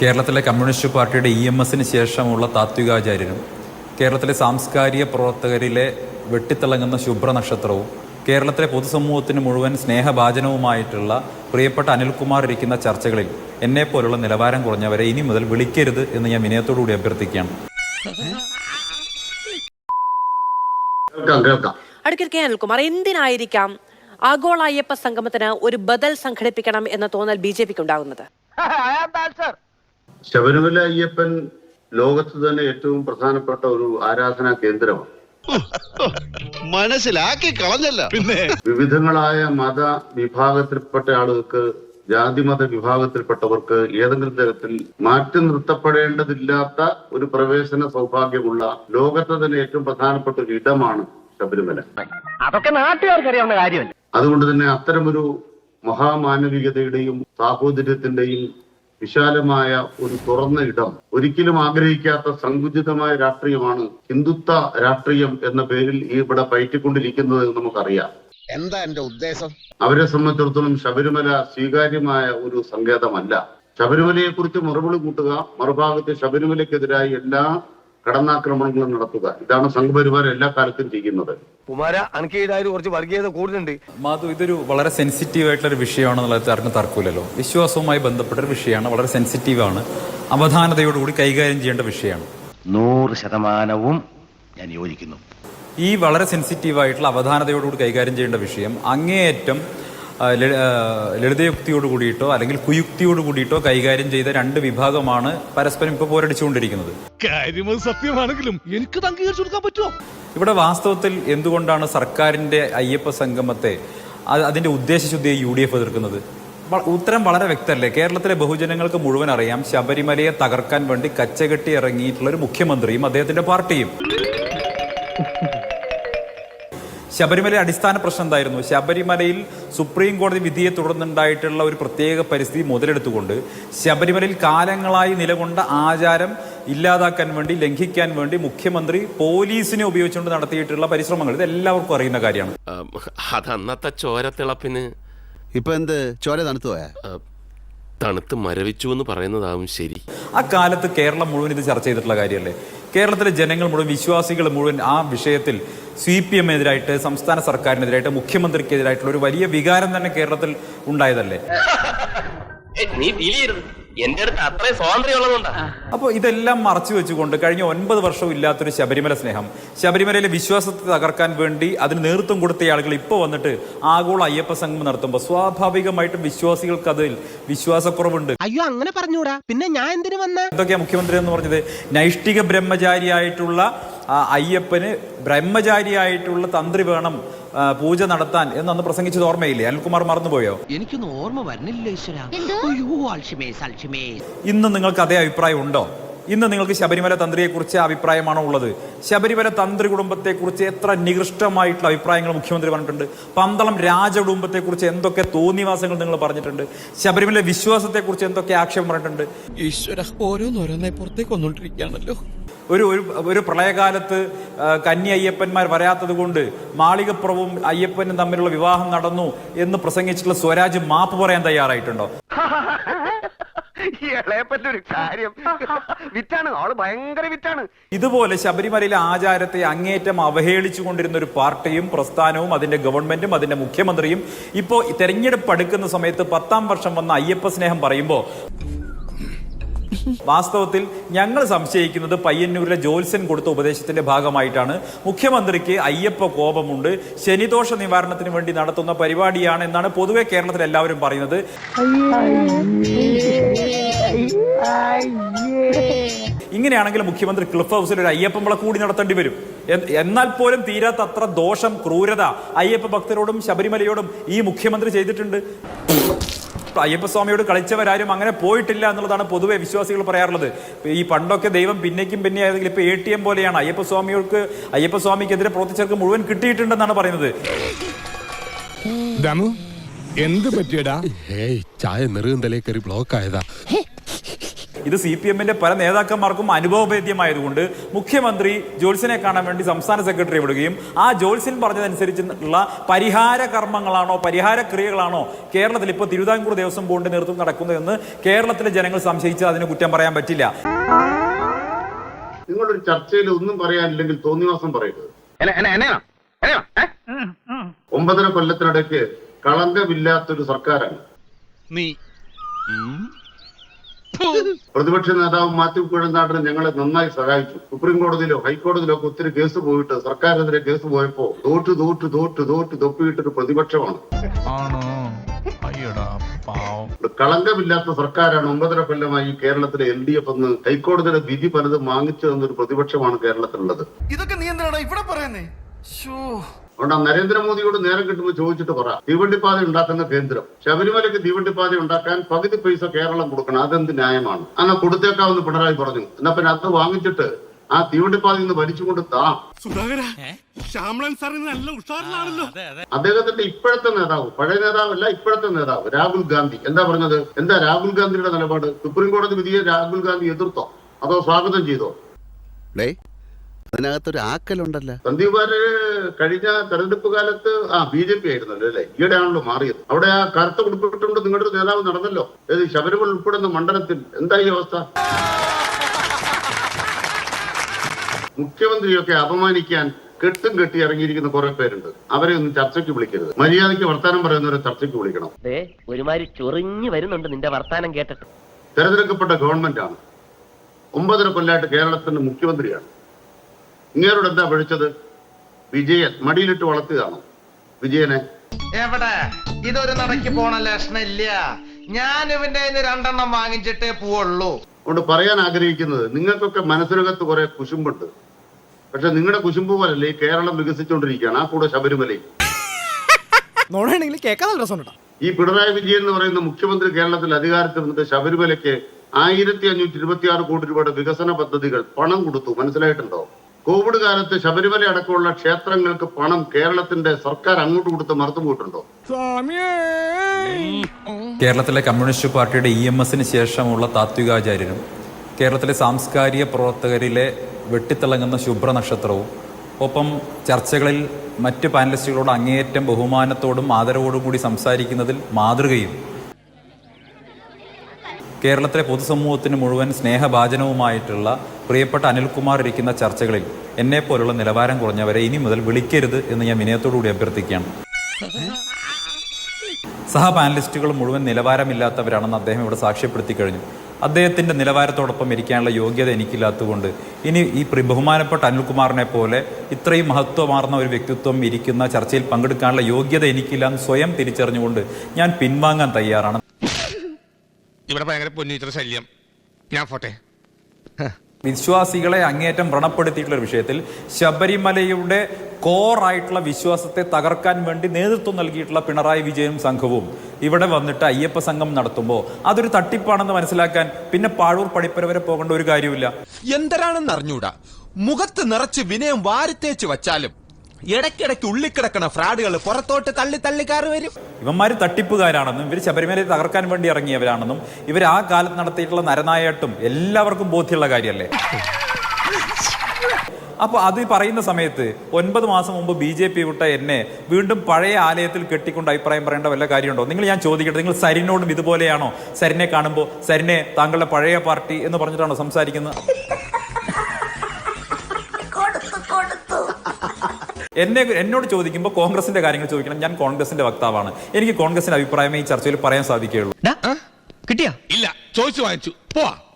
കേരളത്തിലെ കമ്മ്യൂണിസ്റ്റ് പാർട്ടിയുടെ EMSന് ശേഷമുള്ള താത്വികാചാര്യനും കേരളത്തിലെ സാംസ്കാരിക പ്രവർത്തകരിലെ വെട്ടിത്തിളങ്ങുന്ന ശുഭ്രനക്ഷത്രവും കേരളത്തിലെ പൊതുസമൂഹത്തിന് മുഴുവൻ സ്നേഹഭാജനവുമായിട്ടുള്ള പ്രിയപ്പെട്ട അനിൽകുമാർ ഇരിക്കുന്ന ചർച്ചകളിൽ എന്നെപ്പോലുള്ള നിലവാരം കുറഞ്ഞവരെ ഇനി മുതൽ വിളിക്കരുത് എന്ന് ഞാൻ വിനയത്തോടുകൂടി അഭ്യർത്ഥിക്കുകയാണ്. അടുക്കൽ കെ അനിൽകുമാർ, എന്തിനായിരിക്കാം ആഗോള അയ്യപ്പ സംഗമത്തിന് ഒരു ബദൽ സംഘടിപ്പിക്കണം എന്ന തോന്നൽ BJPക്ക് ഉണ്ടാകുന്നത്? ശബരിമല അയ്യപ്പൻ ലോകത്ത് തന്നെ ഏറ്റവും പ്രധാനപ്പെട്ട ഒരു ആരാധനാ കേന്ദ്രമാണ്. മനസ്സിലാക്കി കളഞ്ഞല്ല. പിന്നെ വിവിധങ്ങളായ മത വിഭാഗത്തിൽപ്പെട്ട ആളുകൾക്ക്, ജാതിമത വിഭാഗത്തിൽപ്പെട്ടവർക്ക് ഏതെങ്കിലും തരത്തിൽ മാറ്റി നിർത്തപ്പെടേണ്ടതില്ലാത്ത ഒരു പ്രവേശന സൗഭാഗ്യമുള്ള ലോകത്തെ തന്നെ ഏറ്റവും പ്രധാനപ്പെട്ട ഒരു ഇടമാണ് ശബരിമല. അതൊക്കെ നാട്ടുകാർക്ക് അറിയാവുന്ന കാര്യമല്ല. അതുകൊണ്ട് തന്നെ അത്തരമൊരു മഹാമാനവികതയുടെയും സാഹോദര്യത്തിന്റെയും വിശാലമായ ഒരു തുറന്ന ഇടം, ഒരിക്കലും ആഗ്രഹിക്കാത്ത സങ്കുചിതമായ രാഷ്ട്രീയമാണ് ഹിന്ദുത്വ രാഷ്ട്രീയം എന്ന പേരിൽ ഇവിടെ പയറ്റിക്കൊണ്ടിരിക്കുന്നത് എന്ന് നമുക്കറിയാം. എന്താ എന്റെ ഉദ്ദേശം? അവരെ സംബന്ധിച്ചിടത്തോളം ശബരിമല സ്വീകാര്യമായ ഒരു സങ്കേതമല്ല. ശബരിമലയെ കുറിച്ച് മറുപടി കൂട്ടുക, മറുഭാഗത്ത് ശബരിമലയ്ക്കെതിരായി എല്ലാ കടന്നാക്രമണങ്ങളും നടത്തുക, ഇതാണ് സംഘപരിവാർ എല്ലാ കാലത്തും ചെയ്യുന്നത്. കുമാര, അനക്കേതായാലും കുറച്ച് വർഗീയത കൂടുതലുണ്ട്. മാധു, ഇതൊരു വളരെ സെൻസിറ്റീവ് ആയിട്ടുള്ളൊരു വിഷയമാണെന്നുള്ളത് ആർക്കും തർക്കമില്ലല്ലോ. വിശ്വാസവുമായി ബന്ധപ്പെട്ടൊരു വിഷയമാണ്, വളരെ സെൻസിറ്റീവാണ്, അവധാനതയോടുകൂടി കൈകാര്യം ചെയ്യേണ്ട വിഷയമാണ്. 100% ഞാൻ യോജിക്കുന്നു. ഈ വളരെ സെൻസിറ്റീവായിട്ടുള്ള അവധാനതയോടുകൂടി കൈകാര്യം ചെയ്യേണ്ട വിഷയം അങ്ങേയറ്റം ലളിതയുക്തിയോട് കൂടിയിട്ടോ അല്ലെങ്കിൽ കുയുക്തിയോട് കൂടിയിട്ടോ കൈകാര്യം ചെയ്ത രണ്ട് വിഭാഗമാണ് പരസ്പരം ഇപ്പോൾ പോരടിച്ചുകൊണ്ടിരിക്കുന്നത്. സത്യമാണെങ്കിലും എനിക്ക് അംഗീകരിച്ചു കൊടുക്കാൻ പറ്റുമോ? ഇവിടെ വാസ്തവത്തിൽ എന്തുകൊണ്ടാണ് സർക്കാരിന്റെ അയ്യപ്പ സംഗമത്തെ, അതിന്റെ ഉദ്ദേശശുദ്ധിയെ UDF എതിർക്കുന്നത്? ഉത്തരം വളരെ വ്യക്തമല്ലേ? കേരളത്തിലെ ബഹുജനങ്ങൾക്ക് മുഴുവൻ അറിയാം, ശബരിമലയെ തകർക്കാൻ വേണ്ടി കച്ചകെട്ടി ഇറങ്ങിയിട്ടുള്ള ഒരു മുഖ്യമന്ത്രിയും അദ്ദേഹത്തിന്റെ പാർട്ടിയും. ശബരിമല അടിസ്ഥാന പ്രശ്നം എന്തായിരുന്നു? ശബരിമലയിൽ സുപ്രീം കോടതി വിധിയെ തുടർന്നുണ്ടായിട്ടുള്ള ഒരു പ്രത്യേക പരിസ്ഥിതി മുതലെടുത്തുകൊണ്ട് ശബരിമലയിൽ കാലങ്ങളായി നിലകൊണ്ട ആചാരം ഇല്ലാതാക്കാൻ വേണ്ടി, ലംഘിക്കാൻ വേണ്ടി മുഖ്യമന്ത്രി പോലീസിനെ ഉപയോഗിച്ചുകൊണ്ട് നടത്തിയിട്ടുള്ള പരിശ്രമങ്ങൾ ഇത് എല്ലാവർക്കും അറിയുന്ന കാര്യമാണ്. അതന്നത്തെ ചോരത്തിളപ്പിന് ഇപ്പൊ എന്ത് ചോര തണുത്തു പോയാ? തണുത്ത് മരവിച്ചു എന്ന് പറയുന്നതാവും ശരി. ആ കാലത്ത് കേരളം മുഴുവൻ ഇത് ചർച്ച ചെയ്തിട്ടുള്ള കാര്യമല്ലേ? കേരളത്തിലെ ജനങ്ങൾ മുഴുവൻ, വിശ്വാസികൾ മുഴുവൻ ആ വിഷയത്തിൽ CPM-എതിരായിട്ട്, സംസ്ഥാന സർക്കാരിനെതിരായിട്ട്, മുഖ്യമന്ത്രിക്കെതിരായിട്ടുള്ള ഒരു വലിയ വികാരം തന്നെ കേരളത്തിൽ ഉണ്ടായതല്ലേ? അപ്പോൾ ഇതെല്ലാം മറച്ചു വെച്ചുകൊണ്ട് കഴിഞ്ഞ 9 വർഷവും ഇല്ലാത്തൊരു ശബരിമല സ്നേഹം, ശബരിമലയിലെ വിശ്വാസത്തെ തകർക്കാൻ വേണ്ടി അതിന് നേതൃത്വം കൊടുത്ത ആളുകൾ ഇപ്പോൾ വന്നിട്ട് ആഗോള അയ്യപ്പ സംഗമം നടത്തുമ്പോൾ സ്വാഭാവികമായിട്ടും വിശ്വാസികൾക്ക് അതിൽ വിശ്വാസക്കുറവുണ്ട്. അയ്യോ, അങ്ങനെ പറഞ്ഞൂടാ. പിന്നെ ഞാൻ എന്തിനു വന്ന? എന്തൊക്കെയാ മുഖ്യമന്ത്രി എന്ന് പറഞ്ഞത്? നൈഷ്ഠിക ബ്രഹ്മചാരിയായിട്ടുള്ള അയ്യപ്പന് ബ്രഹ്മചാരിയായിട്ടുള്ള തന്ത്രി വേണം പൂജ നടത്താൻ എന്നന്ന് പ്രസംഗിച്ചത് ഓർമ്മയില്ലേ? അനിൽകുമാർ മറന്നുപോയോ? എനിക്കൊന്നും ഓർമ്മ വരുന്നില്ല. ഇന്ന് നിങ്ങൾക്ക് അതേ അഭിപ്രായം ഉണ്ടോ? ഇന്ന് നിങ്ങൾക്ക് ശബരിമല തന്ത്രിയെക്കുറിച്ച് അഭിപ്രായമാണോ ഉള്ളത്? ശബരിമല തന്ത്രി കുടുംബത്തെക്കുറിച്ച് എത്ര നികൃഷ്ടമായിട്ടുള്ള അഭിപ്രായങ്ങൾ മുഖ്യമന്ത്രി പറഞ്ഞിട്ടുണ്ട്. പന്തളം രാജകുടുംബത്തെക്കുറിച്ച് എന്തൊക്കെ തോന്നിവാസങ്ങൾ നിങ്ങൾ പറഞ്ഞിട്ടുണ്ട്. ശബരിമല വിശ്വാസത്തെക്കുറിച്ച് എന്തൊക്കെ ആക്ഷേപം പറഞ്ഞിട്ടുണ്ട്. ഈശ്വര, ഓരോന്നോരോന്നായി പുറത്തേക്ക് വന്നോണ്ടിരിക്കുകയാണല്ലോ. ഒരു പ്രളയകാലത്ത് കന്നി അയ്യപ്പന്മാർ വരാത്തത് കൊണ്ട് മാളികപ്പുറവും അയ്യപ്പനും തമ്മിലുള്ള വിവാഹം നടന്നു എന്ന് പ്രസംഗിച്ചിട്ടുള്ള സ്വരാജ് മാപ്പ് പറയാൻ തയ്യാറായിട്ടുണ്ടോ? ഇതുപോലെ ശബരിമലയിലെ ആചാരത്തെ അങ്ങേയറ്റം അവഹേളിച്ചു കൊണ്ടിരുന്ന ഒരു പാർട്ടിയും പ്രസ്ഥാനവും അതിന്റെ ഗവൺമെന്റും അതിന്റെ മുഖ്യമന്ത്രിയും ഇപ്പോ തെരഞ്ഞെടുപ്പ് അടുക്കുന്ന സമയത്ത് 10ാം വർഷം വന്ന അയ്യപ്പ സ്നേഹം പറയുമ്പോ വാസ്തവത്തിൽ ഞങ്ങൾ സംശയിക്കുന്നത് പയ്യന്നൂരിലെ ജോത്സ്യൻ കൊടുത്ത ഉപദേശത്തിന്റെ ഭാഗമായിട്ടാണ്. മുഖ്യമന്ത്രിക്ക് അയ്യപ്പ കോപമുണ്ട്, ശനിദോഷ നിവാരണത്തിന് വേണ്ടി നടത്തുന്ന പരിപാടിയാണ് എന്നാണ് പൊതുവെ കേരളത്തിൽ എല്ലാവരും പറയുന്നത്. ഇങ്ങനെയാണെങ്കിൽ മുഖ്യമന്ത്രി ക്ലിഫ് ഹൗസിൽ ഒരു അയ്യപ്പമ്പള കൂടി നടത്തേണ്ടി വരും. എന്നാൽ പോലും തീരാത്ത അത്ര ദോഷം, ക്രൂരത അയ്യപ്പ ഭക്തരോടും ശബരിമലയോടും ഈ മുഖ്യമന്ത്രി ചെയ്തിട്ടുണ്ട്. അയ്യപ്പസ്വാമിയോട് കളിച്ചവരാരും അങ്ങനെ പോയിട്ടില്ല എന്നുള്ളതാണ് പൊതുവെ വിശ്വാസികൾ പറയാറുള്ളത്. ഈ പണ്ടൊക്കെ ദൈവം പിന്നേക്കും പിന്നെ ആയതെങ്കിൽ ഇപ്പൊ ATM പോലെയാണ്. അയ്യപ്പസ്വാമിക്കെതിരെ പ്രവർത്തിച്ചവർക്ക് മുഴുവൻ കിട്ടിയിട്ടുണ്ടെന്നാണ് പറയുന്നത്. എന്ത് പറ്റിയടാ? ചായ നെറുകന്തലേ കയറി ബ്ലോക്ക് ആയതാ. ഇത് CPM-ന്റെ പല നേതാക്കന്മാർക്കും അനുഭവഭേദ്യമായതുകൊണ്ട് മുഖ്യമന്ത്രി ജോത്സ്യനെ കാണാൻ വേണ്ടി സംസ്ഥാന സെക്രട്ടറി വിടുകയും ആ ജോത്സ്യൻ പറഞ്ഞതനുസരിച്ചുള്ള പരിഹാര കർമ്മങ്ങളാണോ പരിഹാര ക്രിയകളാണോ കേരളത്തിൽ ഇപ്പോൾ തിരുവിതാംകൂർ ദേവസ്വം ബോർഡിന്റെ നേതൃത്വം നടക്കുന്നതെന്ന് കേരളത്തിലെ ജനങ്ങൾ സംശയിച്ചാൽ അതിന് കുറ്റം പറയാൻ പറ്റില്ല. നിങ്ങളൊരു ചർച്ചയിൽ ഒന്നും പറയാനില്ലെങ്കിൽ തോന്നിവാസം പറയരുത്. 9.5 കൊല്ലത്തിനിടയ്ക്ക് കളങ്കമില്ലാത്തൊരു സർക്കാരാണ്. പ്രതിപക്ഷ നേതാവ് മാത്യു കുഴൽനാടൻ ഞങ്ങളെ നന്നായി സഹായിച്ചു. സുപ്രീം കോടതിയിലോ ഹൈക്കോടതിയിലോ ഒക്കെ ഒത്തിരി കേസ് പോയിട്ട് സർക്കാരിനെതിരെ കേസ് പോയപ്പോ തോറ്റ് തൊപ്പിയിട്ടൊരു പ്രതിപക്ഷമാണ്. കളങ്കമില്ലാത്ത സർക്കാരാണ് 9.5 കൊല്ലമായി കേരളത്തിലെ LDF എന്ന് ഹൈക്കോടതിയുടെ വിധി പലതും വാങ്ങിച്ചു തന്നൊരു പ്രതിപക്ഷമാണ് കേരളത്തിലുള്ളത്. ഇതൊക്കെ നീ എന്തിനാണ് ഇവിടെ പറയുന്നേ? അതുകൊണ്ട് നരേന്ദ്രമോദിയോട് നേരം കിട്ടുമ്പോൾ ചോദിച്ചിട്ട് പറ, തീവണ്ടിപ്പാത ഉണ്ടാക്കുന്ന കേന്ദ്രം ശബരിമലയ്ക്ക് തീവണ്ടിപ്പാത ഉണ്ടാക്കാൻ പകുതി പൈസ കേരളം കൊടുക്കണം, അതെന്ത് ന്യായമാണ്? അങ്ങനെ കൊടുത്തേക്കാവെന്ന് പിണറായി പറഞ്ഞു. എന്നാ പിന്നെ അത് വാങ്ങിച്ചിട്ട് ആ തീവണ്ടിപ്പാതയിൽ നിന്ന് വലിച്ചുകൊണ്ട് അദ്ദേഹത്തിന്റെ ഇപ്പോഴത്തെ നേതാവ്, പഴയ നേതാവല്ല ഇപ്പോഴത്തെ നേതാവ് രാഹുൽ ഗാന്ധി എന്താ പറഞ്ഞത്? എന്താ രാഹുൽ ഗാന്ധിയുടെ നിലപാട്? സുപ്രീം കോടതി വിധിയെ രാഹുൽ ഗാന്ധി എതിർത്തോ അതോ സ്വാഗതം ചെയ്തോ? അതിനകത്തൊരു ആക്കലുണ്ടല്ലോ. സന്ദീപ് വാര്യർ കഴിഞ്ഞ തെരഞ്ഞെടുപ്പ് കാലത്ത് BJP ആയിരുന്നല്ലോ അല്ലെ, ഈയിടെയാണല്ലോ മാറിയത്. അവിടെ ആ കറുത്ത ഉടുപ്പിട്ടുകൊണ്ട് നിങ്ങളുടെ നേതാവ് നടന്നല്ലോ, ശബരിമല ഉൾപ്പെടുന്ന മണ്ഡലത്തിൽ. എന്താ ഈ അവസ്ഥ? മുഖ്യമന്ത്രിയൊക്കെ അപമാനിക്കാൻ കെട്ടും കെട്ടി ഇറങ്ങിയിരിക്കുന്ന കുറെ പേരുണ്ട്. അവരെ ഒന്നും ചർച്ചയ്ക്ക് വിളിക്കരുത്. മര്യാദയ്ക്ക് വർത്താനം പറയുന്നവരെ ചർച്ചയ്ക്ക് വിളിക്കണം. ഒരുമാതിരി ചൊറിഞ്ഞു വരുന്നുണ്ട് നിന്റെ വർത്താനം കേട്ടിട്ട്. തെരഞ്ഞെടുക്കപ്പെട്ട ഗവൺമെന്റാണ്, 9.5 കൊല്ലമായിട്ട് കേരളത്തിന്റെ മുഖ്യമന്ത്രിയാണ്. ഇങ്ങേരോട് എന്താ പഴിച്ചത്? വിജയൻ മടിയിലിട്ട് വളർത്തുകയാണോ വിജയനെ? എവിടെ ഇതൊരു നടക്ക് പോണ ലക്ഷണില്ല. ഞാൻ ഇവന്റെ 2 വാങ്ങിച്ചിട്ടേ പോവുള്ളൂ. അതുകൊണ്ട് പറയാൻ ആഗ്രഹിക്കുന്നത്, നിങ്ങൾക്കൊക്കെ മനസ്സിനകത്ത് കുറെ കുശുമ്പുണ്ട്. പക്ഷെ നിങ്ങളുടെ കുശുമ്പ് പോലല്ലേ ഈ കേരളം വികസിച്ചുകൊണ്ടിരിക്കുകയാണ്. ആ കൂടെ ശബരിമലയും. ഈ പിണറായി വിജയൻ എന്ന് പറയുന്ന മുഖ്യമന്ത്രി കേരളത്തിൽ അധികാരത്തിൽ വന്നിട്ട് ശബരിമലയ്ക്ക് 1526 കോടി രൂപയുടെ വികസന പദ്ധതികൾ പണം കൊടുത്തു. മനസ്സിലായിട്ടുണ്ടോ? കോവിഡ് കാലത്ത് ശബരിമല അടക്കമുള്ള ക്ഷേത്രങ്ങൾക്ക് പണം കേരളത്തിന്റെ സർക്കാർ അങ്ങോട്ട് കൊടുത്ത് മറന്നുപോയിട്ടുണ്ടോ? കേരളത്തിലെ കമ്മ്യൂണിസ്റ്റ് പാർട്ടിയുടെ EMS-ന് ശേഷമുള്ള താത്വികാചാര്യനും കേരളത്തിലെ സാംസ്കാരിക പ്രവർത്തകരിലെ വെട്ടിത്തിളങ്ങുന്ന ശുഭ്രനക്ഷത്രവും ഒപ്പം ചർച്ചകളിൽ മറ്റ് പാനലിസ്റ്റുകളോട് അങ്ങേയറ്റം ബഹുമാനത്തോടും ആദരവോടും കൂടി സംസാരിക്കുന്നതിൽ മാതൃകയും കേരളത്തിലെ പൊതുസമൂഹത്തിന് മുഴുവൻ സ്നേഹഭാജനവുമായിട്ടുള്ള പ്രിയപ്പെട്ട അനിൽകുമാർ ഇരിക്കുന്ന ചർച്ചകളിൽ എന്നെപ്പോലുള്ള നിലവാരം കുറഞ്ഞവരെ ഇനി മുതൽ വിളിക്കരുത് എന്ന് ഞാൻ വിനയത്തോടുകൂടി അഭ്യർത്ഥിക്കുകയാണ്. സഹ പാനലിസ്റ്റുകൾ മുഴുവൻ നിലവാരമില്ലാത്തവരാണെന്ന് അദ്ദേഹം ഇവിടെ സാക്ഷ്യപ്പെടുത്തി കഴിഞ്ഞു. അദ്ദേഹത്തിൻ്റെ നിലവാരത്തോടൊപ്പം ഇരിക്കാനുള്ള യോഗ്യത എനിക്കില്ലാത്തതുകൊണ്ട് ഇനി ഈ ബഹുമാനപ്പെട്ട അനിൽകുമാറിനെ പോലെ ഇത്രയും മഹത്വമാർന്ന ഒരു വ്യക്തിത്വം ഇരിക്കുന്ന ചർച്ചയിൽ പങ്കെടുക്കാനുള്ള യോഗ്യത എനിക്കില്ല എന്ന് സ്വയം തിരിച്ചറിഞ്ഞുകൊണ്ട് ഞാൻ പിൻവാങ്ങാൻ തയ്യാറാണ്. ഇവിടെ ഭയങ്കര പൊന്നിത്ര ശല്യം. ഞാൻ പോട്ടെ. വിശ്വാസികളെ അങ്ങേയറ്റം വ്രണപ്പെടുത്തിയിട്ടുള്ള ഒരു വിഷയത്തിൽ ശബരിമലയുടെ കോറായിട്ടുള്ള വിശ്വാസത്തെ തകർക്കാൻ വേണ്ടി നേതൃത്വം നൽകിയിട്ടുള്ള പിണറായി വിജയനും സംഘവും ഇവിടെ വന്നിട്ട് അയ്യപ്പ സംഘം നടത്തുമ്പോൾ അതൊരു തട്ടിപ്പാണെന്ന് മനസ്സിലാക്കാൻ പിന്നെ പാഴൂർ പടിപ്പര വരെ പോകേണ്ട ഒരു കാര്യമില്ല. എന്തരാണെന്ന് അറിഞ്ഞൂടാ, മുഖത്ത് നിറച്ച് വിനയം വാരിത്തേച്ച് വച്ചാലും ഇടയ്ക്കിടയ്ക്ക് ഉള്ളിക്കിടക്കണ ഫ്രാഡുകൾ പുറത്തോട്ട് തള്ളി കയറി വരും. ഇവന്മാർ തട്ടിപ്പുകാരാണെന്നും ഇവർ ശബരിമലയെ തകർക്കാൻ വേണ്ടി ഇറങ്ങിയവരാണെന്നും ഇവർ ആ കാലത്ത് നടത്തിയിട്ടുള്ള നരനായിട്ടും എല്ലാവർക്കും ബോധ്യമുള്ള കാര്യമല്ലേ. അപ്പോൾ അത് പറയുന്ന സമയത്ത് 9 മാസം മുമ്പ് BJP വിട്ട എന്നെ വീണ്ടും പഴയ ആലയത്തിൽ കെട്ടിക്കൊണ്ട് അഭിപ്രായം പറയേണ്ട വല്ല കാര്യമുണ്ടോ? ഞാൻ ചോദിക്കട്ടെ, നിങ്ങൾ സരിനോടും ഇതുപോലെയാണോ? സരിനെ കാണുമ്പോൾ സരിനെ താങ്കളുടെ പഴയ പാർട്ടി എന്ന് പറഞ്ഞിട്ടാണോ സംസാരിക്കുന്നത്? എന്നോട് ചോദിക്കുമ്പോൾ കോൺഗ്രസിന്റെ കാര്യങ്ങൾ ചോദിക്കണം. ഞാൻ കോൺഗ്രസിന്റെ വക്താവാണ്. എനിക്ക് കോൺഗ്രസിന്റെ അഭിപ്രായമേ ഈ ചർച്ചയിൽ പറയാൻ സാധിക്കുകയുള്ളൂ. കിട്ടിയാ? ഇല്ല, ചോദിച്ചു വാങ്ങിച്ചു. പോവാ.